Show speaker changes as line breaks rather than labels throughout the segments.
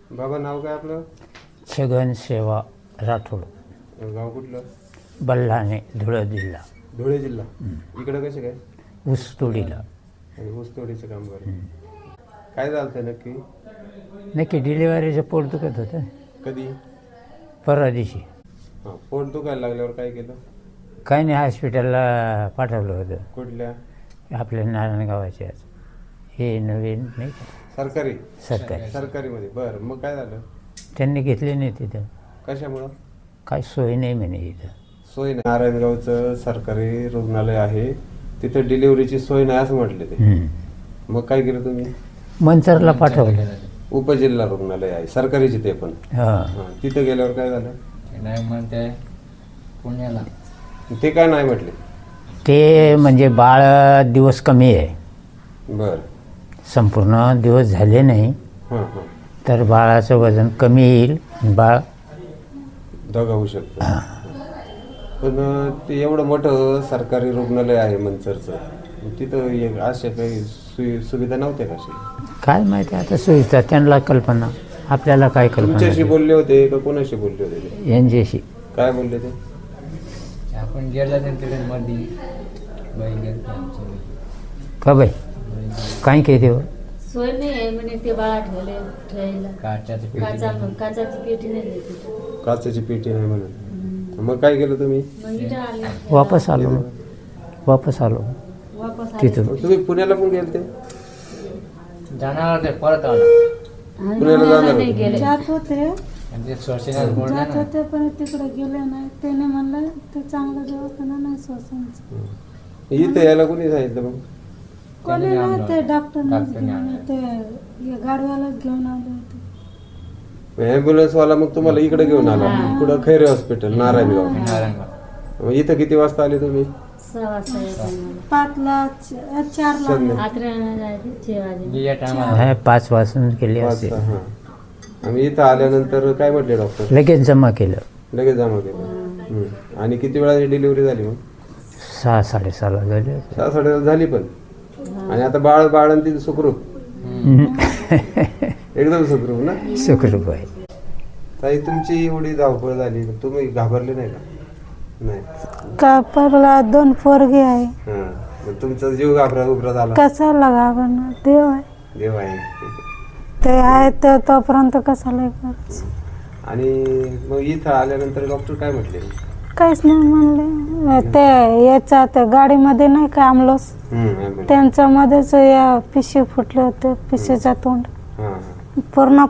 बाबा नाव काय आपलं?
छगन सेवा राठोड,
गाव कुठलं?
बल्हाणे, धुळे जिल्हा.
धुळे जिल्हा. इकडं कसे काय?
ऊसतोडीला.
आणि ऊसतोडीचं काम करत. काय झालं ते नक्की?
नक्की डिलिव्हरीचं पोट दुखत होतं
कधी?
परवा दिवशी.
हां, पोट दुखायला लागल्यावर काय केलं?
काही नाही, हॉस्पिटलला पाठवलं होतं.
कुठल्या?
आपल्या नारायणगावाच्याच, हे नवीन नाही का,
सरकारी?
सरकारी.
सरकारीमध्ये. बरं, मग काय झालं?
त्यांनी घेतले नाही तिथं,
कशामुळं?
काय सोय नाही म्हणे इथं.
सोय नाही. नारायणगावचं सरकारी रुग्णालय आहे, तिथं डिलिव्हरीची सोय नाही असं म्हटले ते. मग काय केलं तुम्ही?
मंचरला पाठवलं.
उपजिल्हा रुग्णालय आहे, सरकारीचे ते पण.
हां,
तिथं गेल्यावर काय झालं?
नाही म्हणते पुण्याला.
ते काय नाही म्हटले?
ते म्हणजे बाळ दिवस कमी आहे,
बरं.
संपूर्ण दिवस झाले नाही,
हां हां.
तर बाळाचं वजन कमी येईल, बाळ
दगा होऊ शकतं. पण ते एवढं मोठं सरकारी रुग्णालय आहे मंचरचं, तिथं अशा काही सुविधा नव्हत्या कशी?
काय माहिती आता सुविधा, त्यांना कल्पना, आपल्याला काय
तुमच्याशी
कल्पना.
बोलले होते का कोणाशी बोलले होते ते?
यांच्याशी.
काय बोलले ते?
आपण गेला तिकडे मध्ये बाई गेली आमची.
का बाई काय काय देव
सोय नाही आहे म्हणे, ते बाळा ठेवायला काचाची पेटी नाही देते.
काचेची पेटी नाही म्हणून. मग काय केलं तुम्ही?
मग इथं आले,
वापस आलो
वापस आले.
तिथून.
तुम्ही पुण्याला पण गेले ते?
जाणार होते परत आला.
पुण्याला जाणार
नाही
होते?
गेले.
जात होते
आणि ते श्वसनात बोलले
जात
ना.
होते पण तिकडे गेले नाही. त्याने म्हणलं ते चांगलं दवाखाना नाही श्वसनचं.
इथं यायला कोणी सांगितलं मग?
कोणी नाही, ते डॉक्टरने
डॉक्टरने
घेऊन ते गाडवालाच घेऊन आले होते.
ॲम्ब्युलन्स वाला मग तुम्हाला इकडे घेऊन आला, पुढं खैरे हॉस्पिटल नारायणगाव.
नारायणगाव.
मग इथं किती वाजता आले तुम्ही?
6 वाजता येतात मला.
5ला 4ला
आत्र्याला जायचे 6 वाजे.
या टायमाला
5 वाजून गेले असे.
वाजता. हां. आम्ही इथं आल्यानंतर काय म्हटले डॉक्टर?
लगेच जमा केलं.
लगेच जमा केलं. आणि किती वेळाची डिलिव्हरी झाली मग?
6-6:30 झाले.
6-6:30 झाली पण. आणि आता बाळ ती सुखरूप? एकदम सुखरूप ना?
सुखरूप आहे.
ताई, तुमची एवढी धावपळ झाली, तुम्ही घाबरले नाही का? नाही.
कापरला 2 पोरगे आहे.
हां. मग तुमचा जीव घाबरत आला?
कशाला घाबरणार, देव आहे.
देव आहे.
ते आहे तर तोपर्यंत कशाला करायचं.
आणि मग इथं आल्यानंतर डॉक्टर काय म्हटले?
काहीच नाही म्हणले. ते याच्या त्या गाडीमध्ये नाही का आमलोस, त्यांच्या मध्येच या पिशवी फुटले होते, पिशवीचा तोंड पुरा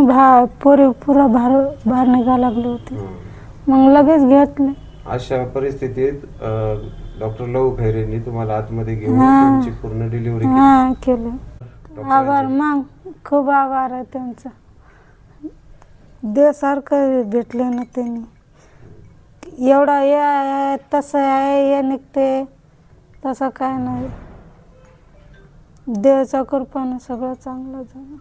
बाहेर निघा लागले होते. मग लगेच घेतले.
अशा परिस्थितीत डॉक्टर लहू खैरेंनी तुम्हाला आतमध्ये घेऊन तुमची पूर्ण डिलिव्हरी
केले. आभार, मग खूप आभार आहे त्यांचा. देवासारखं भेटले ना त्यांनी. एवढा हे आहे, तसं आहे, हे निघते, तसं काय नाही. देवाच्या कृपेने सगळं चांगलं झालं.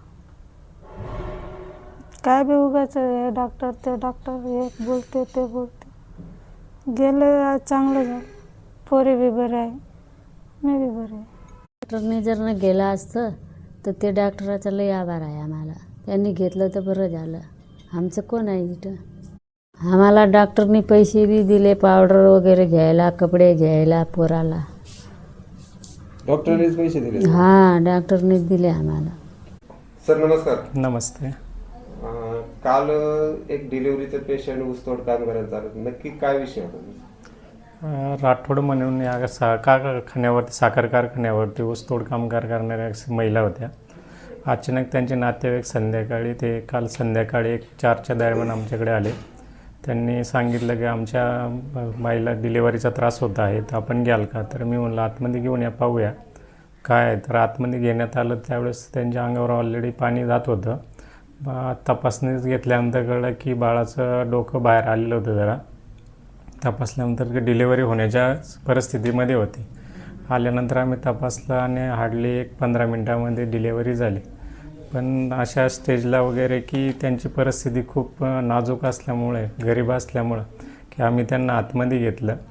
काय बी उगाच डॉक्टर ते डॉक्टर एक बोलते ते बोलते. गेले चांगलं झालं. पोरी बी बरे आहे, मी बी बरे आहे.
डॉक्टरने जर न गेला असतं तर ते डॉक्टराचा लय आभार आहे आम्हाला. त्यांनी घेतलं तर बरं झालं. आमचं कोण आहे इथं? आम्हाला डॉक्टरनी पैसे बी दिले, पावडर वगैरे घ्यायला, कपडे घ्यायला पोराला.
डॉक्टरनेच पैसे दिले?
हां, डॉक्टरनेच दिले आम्हाला.
सर नमस्कार.
नमस्ते.
काल एक डिलिव्हरीचं पेशंट ऊसतोड काम करायला चालत, नक्की काय विषय होता?
राठोड म्हणून या कारखान्यावरती, साखर कारखान्यावरती ऊसतोड कामगार करणाऱ्या महिला होत्या. अचानक त्यांचे नातेवाईक काल संध्याकाळी 4च्या दरम्यान आमच्याकडे आले. त्यांनी सांगितलं की आमच्या बाईला डिलिव्हरीचा त्रास होत आहे, तर आपण घ्याल का? तर मी म्हणलं आतमध्ये घेऊन या, पाहूया काय आहे. तर आतमध्ये घेण्यात आलं. त्यावेळेस त्यांच्या अंगावर ऑलरेडी पाणी जात होतं. तपासणीच घेतल्यानंतर कळलं की बाळाचं डोकं बाहेर आलेलं होतं. जरा तपासल्यानंतर डिलिव्हरी होण्याच्या परिस्थितीमध्ये होती. आल्यानंतर आम्ही तपासलं आणि हार्डली 15 मिनटामध्ये डिलिव्हरी झाली. पण अशा स्टेजला वगैरे की त्यांची परिस्थिती खूप नाजूक असल्यामुळे, गरीब असल्यामुळं की आम्ही त्यांना आतमध्ये घेतलं.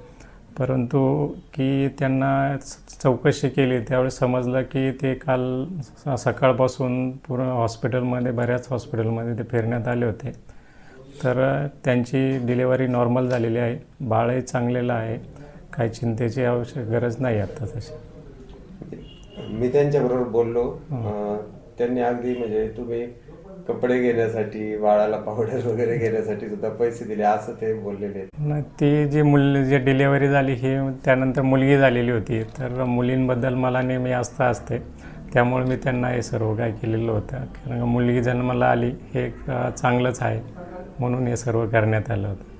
परंतु की त्यांना चौकशी केली त्यावेळेस समजलं की ते काल सकाळपासून पूर्ण हॉस्पिटलमध्ये बऱ्याच हॉस्पिटलमध्ये ते फिरण्यात आले होते. तर त्यांची डिलेवरी नॉर्मल झालेली आहे. बाळही चांगलेलं आहे. काही चिंतेची गरज नाही आता तशी.
मी त्यांच्याबरोबर बोललो. त्यांनी अगदी म्हणजे तुम्ही कपडे घेण्यासाठी बाळाला पावडर वगैरे घेण्यासाठी सुद्धा पैसे दिले असं ते बोललेले आहेत.
नाही, ती जी डिलेवरी झाली ही त्यानंतर मुलगी झालेली होती. तर मुलींबद्दल मला नेहमी आस्था असते. त्यामुळे मी त्यांना हे सर्व काय केलेलं होतं. कारण मुलगी जन्माला आली हे एक चांगलंच आहे म्हणून हे सर्व करण्यात आलं होतं.